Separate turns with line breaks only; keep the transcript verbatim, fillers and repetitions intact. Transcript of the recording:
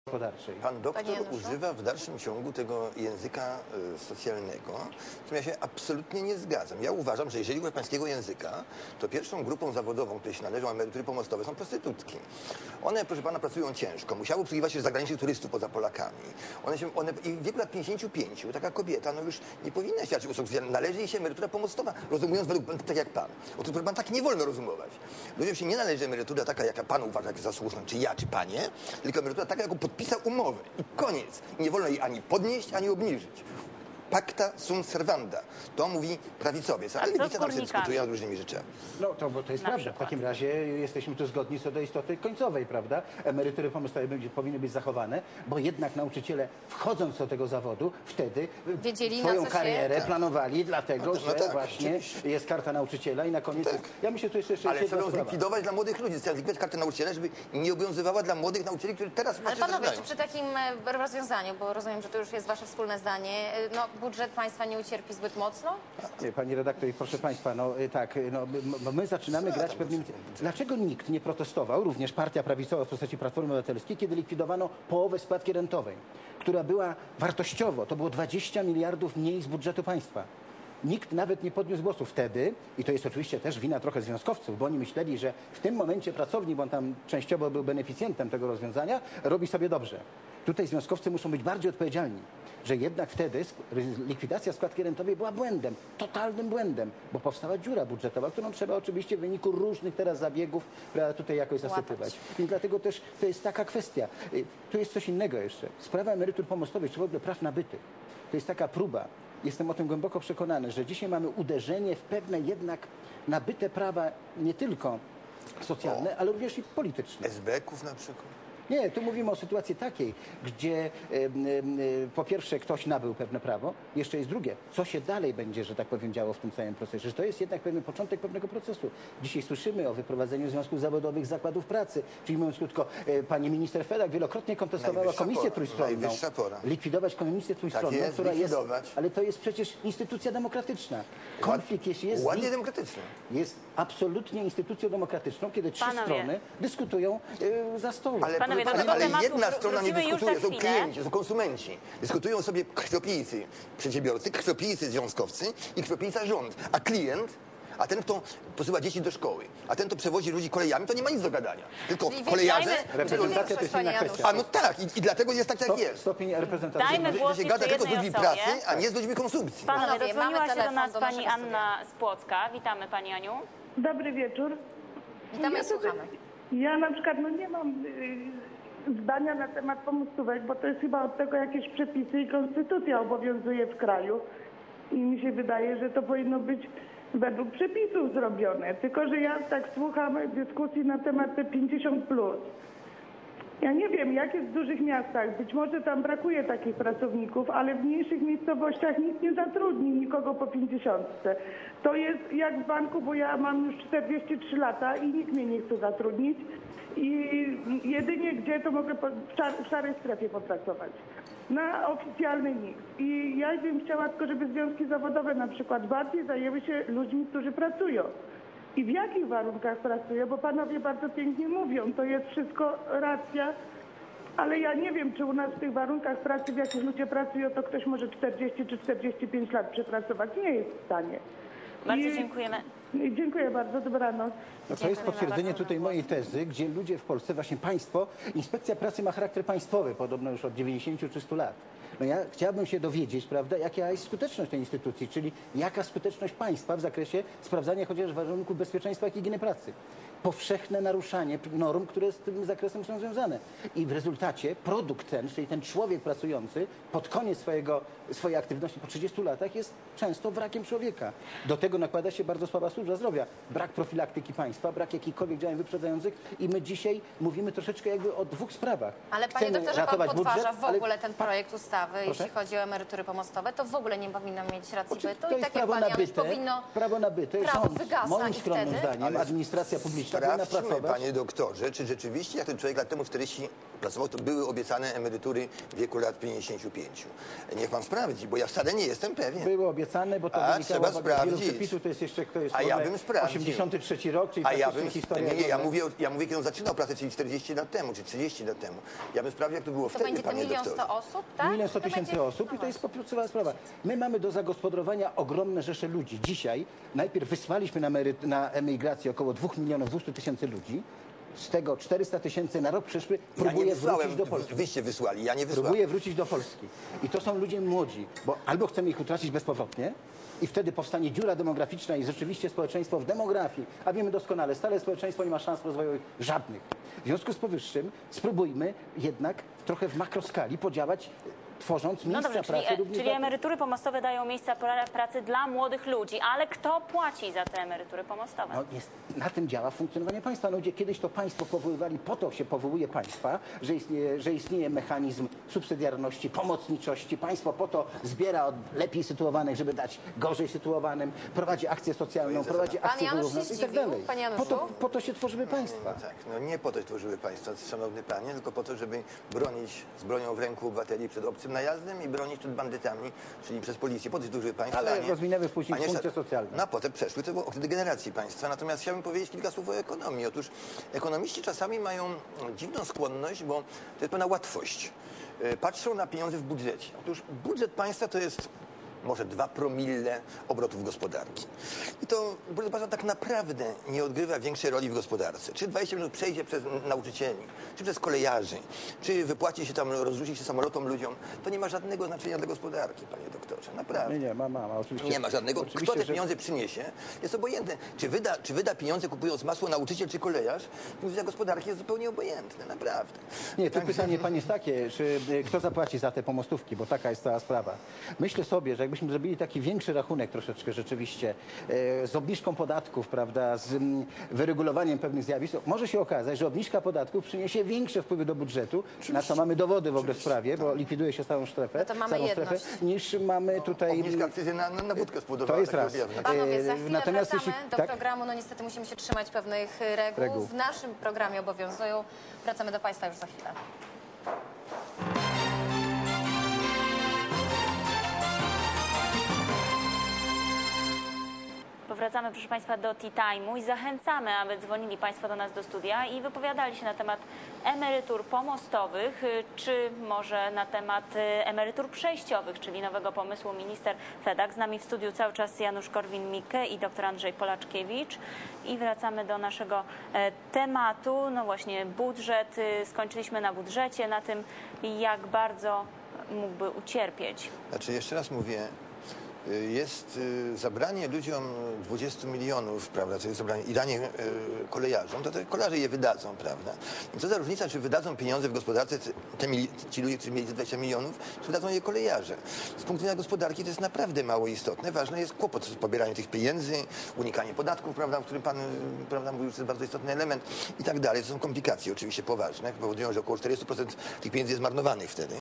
gospodarczej.
Pan doktor używa w dalszym ciągu tego języka y, socjalnego, z którym ja się absolutnie nie zgadzam. Ja uważam, że jeżeli używa pańskiego języka, to pierwszą grupą zawodową, której się należą emerytury pomostowe, są prostytutki. One, proszę pana, pracują ciężko, musiały obsługiwać się zagranicznych turystów poza Polakami. One się, one, i w wieku lat pięćdziesięciu pięciu taka kobieta no już nie powinna świadczyć usług socjalnych. Należy jej się emerytura pomostowa, rozumując według, tak jak pan. Otóż, proszę pan, tak nie wolno rozumować. Ludziom się nie należy emerytura taka, jaka pan uważa za słuszną, czy ja, czy panie, tylko emerytura taka, jaką podpisał umowę. I koniec. Nie wolno jej ani podnieść, ani obniżyć. Pacta sunt servanda. To mówi prawicowiec, ale lewica tam się dyskutuje nad różnymi rzeczami.
No to, bo to jest
Na
prawda.
przykład.
W takim razie jesteśmy tu zgodni co do istoty końcowej, prawda? Emerytury pomostowe będzie, powinny być zachowane, bo jednak nauczyciele, wchodząc do tego zawodu, wtedy
Wiedzieli,
swoją
na co
karierę
się...
planowali, dlatego
No, no
że
tak,
właśnie
oczywiście.
jest karta nauczyciela i na koniec...
Tak.
Jest, ja myślę, że to jest jeszcze
Ale
jedna
trzeba ją
sprawa.
zlikwidować dla młodych ludzi. Trzeba zlikwidować kartę nauczyciela, żeby nie obowiązywała dla młodych nauczycieli, którzy teraz
Ale
właśnie
panowie, czy
zaczynają.
przy takim e, rozwiązaniu, bo rozumiem, że to już jest wasze wspólne zdanie, e, no budżet państwa nie ucierpi zbyt mocno?
Nie, pani redaktor i proszę państwa, no y, tak, y, no, my, my- my zaczynamy
Co
grać
tam
pewnym...
będzie?
Dlaczego nikt nie protestował, również partia prawicowa w postaci Platformy Obywatelskiej, kiedy likwidowano połowę składki rentowej, która była wartościowo, to było dwadzieścia miliardów mniej z budżetu państwa. Nikt nawet nie podniósł głosu wtedy, i to jest oczywiście też wina trochę związkowców, bo oni myśleli, że w tym momencie pracownik, bo on tam częściowo był beneficjentem tego rozwiązania, robi sobie dobrze. Tutaj związkowcy muszą być bardziej odpowiedzialni, że jednak wtedy sk- likwidacja składki rentowej była błędem, totalnym błędem, bo powstała dziura budżetowa, którą trzeba oczywiście w wyniku różnych teraz zabiegów prawda, tutaj jakoś zasypywać. Więc dlatego też to jest taka kwestia. Y, Tu jest coś innego jeszcze. Sprawa emerytur pomostowych, czy w ogóle praw nabytych. To jest taka próba. Jestem o tym głęboko przekonany, że dzisiaj mamy uderzenie w pewne jednak nabyte prawa nie tylko socjalne, ale również i polityczne.
S B Ków na przykład.
Nie, tu mówimy o sytuacji takiej, gdzie e, e, po pierwsze ktoś nabył pewne prawo, jeszcze jest drugie, co się dalej będzie, że tak powiem, działo w tym całym procesie, że to jest jednak pewien początek pewnego procesu. Dzisiaj słyszymy o wyprowadzeniu związków zawodowych z zakładów pracy, czyli mówiąc krótko, e, pani minister Fedak wielokrotnie kontestowała
Najwyższa
komisję
pora,
trójstronną.
najwyższa pora.
Likwidować komisję trójstronną,
jest,
która jest,
likwidować.
ale to jest przecież instytucja demokratyczna. Konflikt, jeśli jest...
Ładnie demokratyczny.
jest absolutnie instytucją demokratyczną, kiedy trzy
Panowie.
strony dyskutują e, za stołem.
Ale,
Panowie,
proszę
do
pana,
tego
ale
tematu
jedna strona nie
wrócimy już
dyskutuje,
za
są
chwilę.
klienci, są konsumenci. Dyskutują sobie krwiopijcy, przedsiębiorcy, krwiopijcy, związkowcy i krwiopijca rząd. A klient, a ten, kto posyła dzieci do szkoły, a ten, kto przewozi ludzi kolejami, to nie ma nic do gadania. Tylko
Czyli
kolejarze...
wjeżdżajmy-
Reprezentacja to jest inna
Panie
kwestia.
A no tak, i, i dlatego jest tak, jak
Stop,
jest.
stopień reprezentacji.
Dajmy
Że
głos
się
jeszcze
gada tylko z
jednej
ludźmi
osobie.
pracy, a nie z ludźmi konsumpcji.
Panowie,
Panowie,
dodzwoniła
mamy
się do
telefon
nas
do
pani
naszego
Anna z Płocka. Witamy pani Aniu.
Dobry wieczór.
Witamy
ja
i słuchamy.
Ja na przykład no nie mam y, zdania na temat pomostówek, bo to jest chyba od tego jakieś przepisy i konstytucja obowiązuje w kraju. I mi się wydaje, że to powinno być według przepisów zrobione. Tylko że ja tak słucham dyskusji na temat te pięćdziesiąt plus. Ja nie wiem, jak jest w dużych miastach. Być może tam brakuje takich pracowników, ale w mniejszych miejscowościach nikt nie zatrudni nikogo po pięćdziesiątce. To jest jak w banku, bo ja mam już czterdzieści trzy lata i nikt mnie nie chce zatrudnić. I jedynie gdzie to mogę po- w, szar, w szarej strefie popracować. Na oficjalnej nikt. I ja bym chciała tylko, żeby związki zawodowe na przykład bardziej zajęły się ludźmi, którzy pracują. I w jakich warunkach pracują, bo panowie bardzo pięknie mówią, to jest wszystko racja, ale ja nie wiem, czy u nas w tych warunkach pracy, w jakich ludzie pracują, to ktoś może czterdzieści czy czterdzieści pięć lat przepracować. Nie jest w stanie.
Bardzo
I-
dziękujemy.
i Dziękuję bardzo, dobranoc.
No to jest
Dziękujemy
potwierdzenie
bardzo
tutaj
za
mojej tezy, gdzie ludzie w Polsce, właśnie państwo, inspekcja pracy ma charakter państwowy, podobno już od dziewięćdziesięciu czy stu lat. No ja chciałbym się dowiedzieć, prawda, jaka jest skuteczność tej instytucji, czyli jaka skuteczność państwa w zakresie sprawdzania chociaż warunków bezpieczeństwa i higieny pracy. Powszechne naruszanie norm, które z tym zakresem są związane. I w rezultacie produkt ten, czyli ten człowiek pracujący pod koniec swojego, swojej aktywności po trzydziestu latach jest często wrakiem człowieka. Do tego nakłada się bardzo słaba służba zdrowia. Brak profilaktyki państwa, brak jakichkolwiek działań wyprzedzających i my dzisiaj mówimy troszeczkę jakby o dwóch sprawach.
Ale panie
Chcemy
doktorze, pan
ratować
podważa
budżet,
w
ale
ogóle ten projekt ustawy,
Proszę?
jeśli chodzi o emerytury pomostowe, to w ogóle nie powinno mieć racji
Oczywiście
bytu
to
i
jest
tak jak
prawo
pan Janusz
nabyte,
powinno
prawo nabyte,
prawo
rząd,
wygasa
moim
i
skromnym
wtedy-
zdaniem,
Ale-
administracja publiczna dwadzieścia powinna
Sprawdźmy,
pracować.
panie doktorze, czy rzeczywiście, jak ten człowiek lat temu czterdzieści pracował, to były obiecane emerytury w wieku lat pięćdziesięciu pięciu. Niech pan sprawdzi, bo ja wcale nie jestem pewien.
Były obiecane, bo to
A,
wynikało
trzeba
z wielu
sprawdzić.
przepisów, to jest jeszcze to jest
A ja
w ogóle
bym sprawdził.
osiemdziesiąty trzeci rok, czyli
A ja
praktycznie
bym,
historia.
nie, nie, ja
wolna.
mówię, o- ja mówię, kiedy on zaczynał pracę, czyli czterdzieści lat temu, czy trzydzieści lat temu. Ja bym sprawdził, jak to było
To
wtedy,
będzie te
panie
milion
doktorze.
sto osób, tak?
Milion sto
To
tysięcy
będzie-
osób
no
i to jest
właśnie.
podstawowa sprawa. My mamy do zagospodarowania ogromne rzesze ludzi. Dzisiaj najpierw wysłaliśmy na, emeryt, na emigrację około dwóch milionów dwieście tysięcy ludzi. Z tego czterysta tysięcy na rok przyszły,
Ja nie
próbuje
wysłałem,
wrócić do Polski.
wyście wysłali, ja nie wysłałem.
Próbuje wrócić do Polski. I to są ludzie młodzi, bo albo chcemy ich utracić bezpowrotnie i wtedy powstanie dziura demograficzna i rzeczywiście społeczeństwo w demografii, a wiemy doskonale, stale społeczeństwo nie ma szans rozwojowych żadnych. W związku z powyższym spróbujmy jednak trochę w makroskali podziałać, tworząc
No
miejsca
dobrze, czyli,
pracy
e,
również
czyli
dla-
emerytury pomostowe dają miejsca pra- pracy dla młodych ludzi, ale kto płaci za te emerytury pomostowe?
No jest, na tym działa funkcjonowanie państwa. No, gdzie kiedyś to państwo powoływali, po to się powołuje państwa, że istnieje, że istnieje mechanizm subsydiarności, pomocniczości. Państwo po to zbiera od lepiej sytuowanych, żeby dać gorzej sytuowanym, prowadzi akcję socjalną, prowadzi
Pan
akcję
Janusz
wyrównawczą
się
i tak
zdziwił?
dalej.
Panie
Po to,
Januszu?
po to się tworzyły państwa.
Tak, no nie po to tworzyły państwa, szanowny panie, tylko po to, żeby bronić z bronią w ręku obywateli przed obcym najazdem i bronić przed bandytami, czyli przez policję. Po to tworzyły państwa.
Ale
a nie-
rozwinęły później
a nie
funkcje
szat-
socjalne.
No a potem przeszły to okres degeneracji państwa. Natomiast chciałbym powiedzieć kilka słów o ekonomii. Otóż ekonomiści czasami mają dziwną skłonność, bo to jest pewna łatwość. Yy, Patrzą na pieniądze w budżecie. Otóż budżet państwa to jest może dwa promille obrotów gospodarki. I to budżet państwa tak naprawdę nie odgrywa większej roli w gospodarce. Czy dwadzieścia minut przejdzie przez nauczycieli, czy przez kolejarzy, czy wypłaci się tam, rozrzuci się samolotom ludziom, to nie ma żadnego znaczenia dla gospodarki, panie doktorze. Naprawdę.
Nie, nie, ma, ma, ma oczywiście.
Nie ma żadnego.
Oczywiście,
Kto te
że-
pieniądze przyniesie, jest obojętne. Czy wyda, czy wyda pieniądze kupując masło nauczyciel czy kolejarz, dla gospodarki jest zupełnie obojętne, naprawdę.
Nie, tu
Także-
pytanie pani jest takie, czy y, kto zapłaci za te pomostówki, bo taka jest cała sprawa. Myślę sobie, że jakbyśmy zrobili taki większy rachunek troszeczkę rzeczywiście, e, z obniżką podatków, prawda, z mm, wyregulowaniem pewnych zjawisk, to może się okazać, że obniżka podatków przyniesie większe wpływy do budżetu, na co mamy dowody w ogóle w sprawie, bo likwiduje się stałą strefę,
No to mamy
całą
jedność.
strefę, niż mamy tutaj...
Obniżka akcyzy na, na, na wódkę spowodowała.
To jest
takie
raz.
objawy.
Panowie, za
E,
chwilę
natomiast
wracamy
jeśli-
do
tak?
programu. No niestety musimy się trzymać pewnych y, reguł.
Reguł.
W naszym programie obowiązują. Wracamy do państwa już za chwilę.
Powracamy, proszę Państwa, do Tea Time'u i zachęcamy, aby dzwonili Państwo do nas do studia i wypowiadali się na temat emerytur pomostowych, y, czy może na temat y, emerytur przejściowych, czyli nowego pomysłu minister Fedak. Z nami w studiu cały czas Janusz Korwin-Mikke i dr Andrzej Polaczkiewicz. I wracamy do naszego e, tematu. No właśnie, budżet. y, Skończyliśmy na budżecie, na tym, jak bardzo mógłby ucierpieć.
Znaczy, jeszcze raz mówię, y, jest y, zabranie ludziom dwudziestu milionów, prawda, to jest zabranie, i danie y, kolejarzom, to te kolarze je wydadzą, prawda. I co za różnica, czy wydadzą pieniądze w gospodarce, te, te mili, ci ludzie, którzy mieli te dwadzieścia milionów, czy wydadzą je kolejarze. Z punktu widzenia gospodarki to jest naprawdę mało istotne. Ważne jest kłopot z pobieraniem tych pieniędzy, unikanie podatków, prawda, o którym pan y, prawda, mówił, że to jest bardzo istotny element i tak dalej. To są komplikacje oczywiście poważne, powodują, że około czterdzieści procent tych pieniędzy jest marnowanych wtedy.